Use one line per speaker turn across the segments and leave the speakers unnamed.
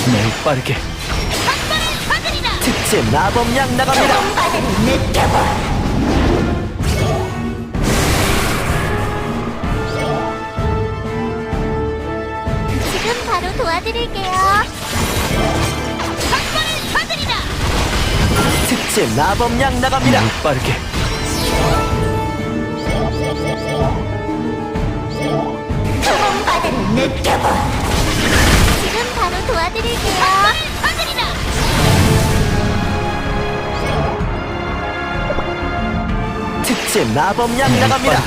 매우 빠르게 특제 마법약 나갑니다.
지금 바로 도와드릴게요.
특제 마법약 나갑니다. 매우 빠르게
소금바다를 느껴봐. 지금 바로 도와드릴게요.
특제 마법약 나갑니다.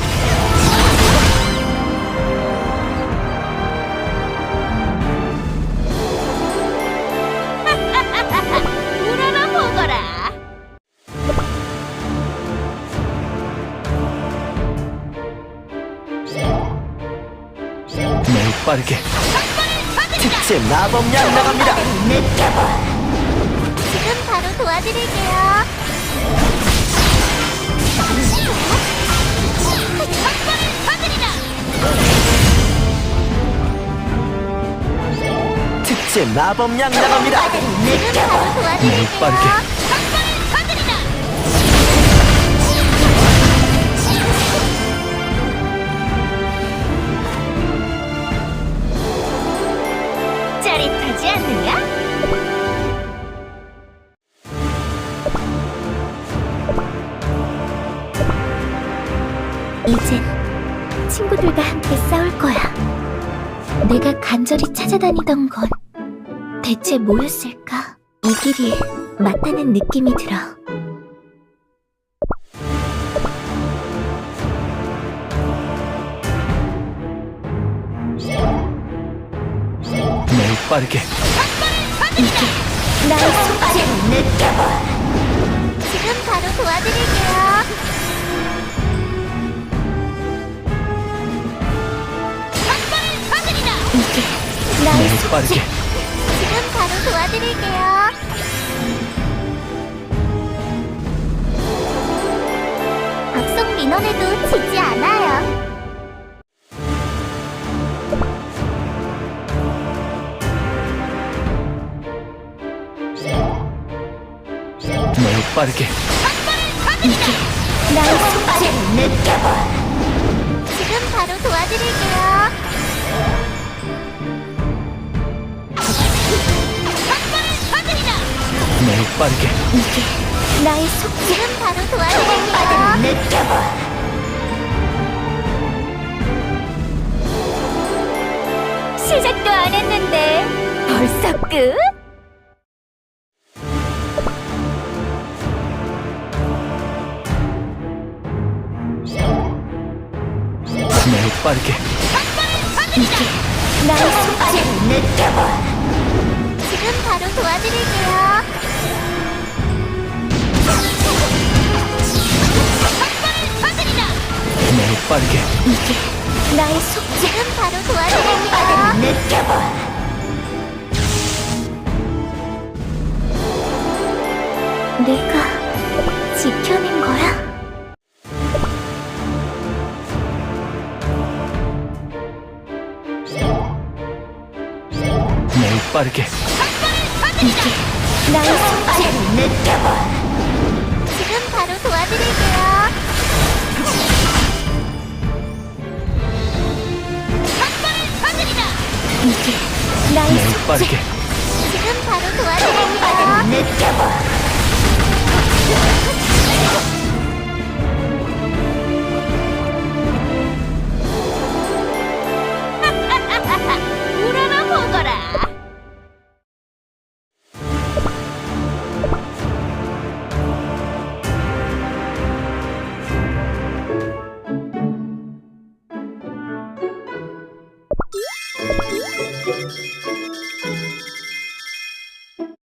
우러러 보거라.
매우 빠르게 특제 마법약 나갑니다.
지금 바로 도와드릴게요.
특제 마법약 나갑니다.
지금 바로
매우
도와드릴게요.
빠르게
짜릿하지 않느냐? 이젠 친구들과 함께 싸울 거야. 내가 간절히 찾아다니던 건 대체 뭐였을까? 이 길이 맞다는 느낌이 들어.
매우 빠르게
이게 나의 속죄를 느껴봐. 지금 바로 도와드릴게요. 이게 나의
매우
속죄.
빠르게
지금 바로 도와드릴게요. 박성 민원에도 지지 않아요.
매우 빠르게
이게 나의 속죄를 느껴봐. 지금 바로 도와드릴게요.
매우 빠르게
이게 나의 속죄. 지금 바로 도와드릴게요. 느껴봐. 시작도 안 했는데 벌써 끝?
매우 빠르게
이게 나의 속죄를 느껴봐. 지금 바로 도와드릴게요.
매우 빠르게
이게 나의 속죄. 지금 바로 도와드릴게요. 느껴봐. 내가 지켜낸 거야?
매우 빠르게
이게 나의 속죄를 느껴봐. 지금 바로 도와드릴게요. 이게 나의
매우
속죄.
빠르게
지금 바로 도와드릴게요. 느껴봐.